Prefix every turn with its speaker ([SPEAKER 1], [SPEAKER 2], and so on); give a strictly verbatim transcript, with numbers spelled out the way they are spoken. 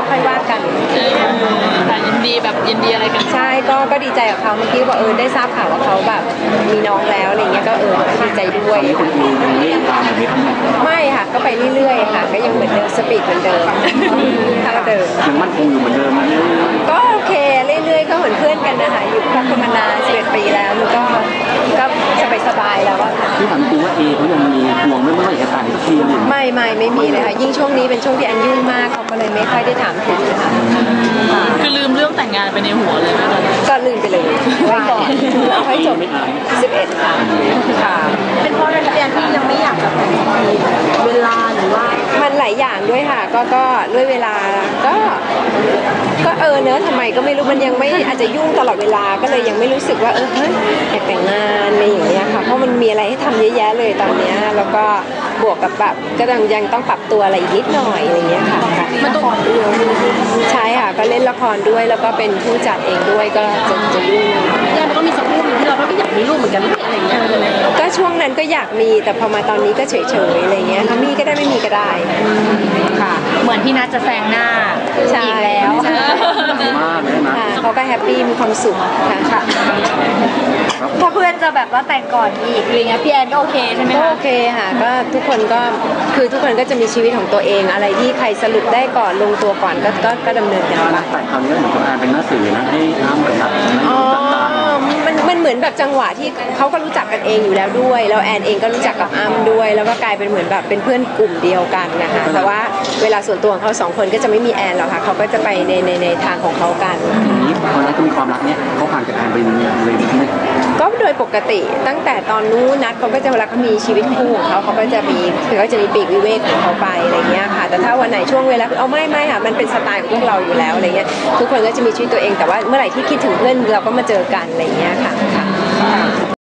[SPEAKER 1] ค่อยว่ากัน
[SPEAKER 2] แต่ยินดีแบบยินดีอะไรกัน
[SPEAKER 1] ใช่ก็ก็ดีใจกับเขาเมื่อกี้ว่าเออได้ทราบข่าวว่าเขาแบบมีน้องแล้วอะไรเงี้ยก็เออดีใจด้วย
[SPEAKER 3] คุณมียังเล่นตามแบบนี้ทั้งหมด
[SPEAKER 1] ไม่ค่ะก็ไปเรื่อยๆค่ะก็ยังเหมือนเดิมสปีดเหมือนเดิมเท่าเดิม
[SPEAKER 3] ยังมั่นคงอยู่เหมือนเดิมนะ
[SPEAKER 1] ก็โอเคเรื่อยๆก็เหมือนเพื่อนกันนะคะอยู่คบกันมานานสิบเอ็ดปีแล้วมันก็ก็สบายๆแล้วอะ
[SPEAKER 3] ที่ถามจริงว่าเอเขายังมีห่วงไม่เมื่อไหร่จะตายทีนึง
[SPEAKER 1] ไม่ไม่ไม่มีเลยค่ะยิ่งช่วงนี้เป็นช่วงที่อันยุ่งมากเขาก็เลยไม่ค่อยได้ถามถึงนะคะ
[SPEAKER 2] คือลืมเรื่องแต่งงานไปในหัวเลยไหม
[SPEAKER 1] ก็ลืมไปเลยไว้ก่อนเอาให้จบสิบเอ็ดค่ะค่ะ
[SPEAKER 2] เป็นเพราะอะไรพี่แอนที่ยังไม่อยากแบบเวลาหรือว่า
[SPEAKER 1] มันหลายอย่างด้วยค่ะก็ก็ด้วยเวลาก็ก็เออเนอะทำไมก็ไม่รู้มันยังไม่อาจจะยุ่งตลอดเวลาก็เลยยังไม่รู้สึกว่าเออเฮ้ยอยากแต่งงานอะไรอย่างเงี้ยค่ะเพราะมันมีอะไรให้ทำเยอะแยะเลยตอนเนี้ยแล้วก็บวกกับแบบก็ยังยังต้องปรับตัวอะไรอีกนิดหน่อยอะไรเงี้ยค่ะ
[SPEAKER 2] มันต้อง
[SPEAKER 1] ใช่ค่ะก็เล่นละครด้วยแล้วก็เป็นผู้จัดเองด้วยก็จะจะยุ่ง
[SPEAKER 2] เนี่ยมันก็มีสักรูปที่เราไม่อยากมีลูกเหมือนกันอะไรอย่างเงี้ย
[SPEAKER 1] ก็ช่วงนั้นก็อยากมีแต่พอมาตอนนี้ก็เฉยๆอะไรเงี้ยถ้ามีก็ได้ไม่มีก็ได้
[SPEAKER 2] ค่ะเหมือนพี่นัทจะแซงหน้าอีกแล้ว
[SPEAKER 3] มากเลยนะ
[SPEAKER 1] เขาก็แฮปปี้มีความสุขค่ะ
[SPEAKER 2] ถ้าเพื่อนจะแบบว่าแต่งก่อนอีกอะไรเงี้ยพี่แอนก็โอเคใช่ไหมคะ
[SPEAKER 1] โอเคค่ะก็ทุกคนก็คือทุกคนก็จะมีชีวิตของตัวเองอะไรที่ใครสรุปได้ก่อนลงตัวก่อนก็ก็ก็ดำเนินกัน
[SPEAKER 3] ไปแต่คราวนี้เหมือนกับแอนเป็นหน้าสื่อนะให้น้ำเหมือนกับ
[SPEAKER 1] อ๋อมันมันเหมือนแบบจังหวะที่เขาก็รู้จักกันเองอยู่แล้วด้วยแล้วแอนเองก็รู้จักกับอ้ำด้วยแล้วก็กลายเป็นเหมือนแบบเป็นเพื่อนกลุ่มเดียวกันนะคะแต่ว่าเวลาส่วนตัวของเขาสองคนก็จะไม่มีแอนหรอกค่ะเขาก็จะไปในในในทางของเขากัน
[SPEAKER 3] อย่างนี้ตอนนั้นก็มีความรักเนี่ยเขาผ่านจากแอนไปเลยไหม
[SPEAKER 1] ก็โดยปกติตั้งแต่ตอนนู้นนัดเขาก็จะเวลาเขามีชีวิตคู่ของเขาเขาก็จะมีคือเขาจะมีปีกวิเวกของเขาไปอะไรเงี้ยค่ะแต่ถ้าวันไหนช่วงเวลาเอาไม่ไม่ค่ะมันเป็นสไตล์ของพวกเราอยู่แล้วอะไรเงี้ยทุกคนก็จะมีชีวิตตัวเองแต่ว่าเมื่อไหร่ที่คิดถึงเพื่อนเราก็มาเจอกันอะไรเงี้ยค่ะ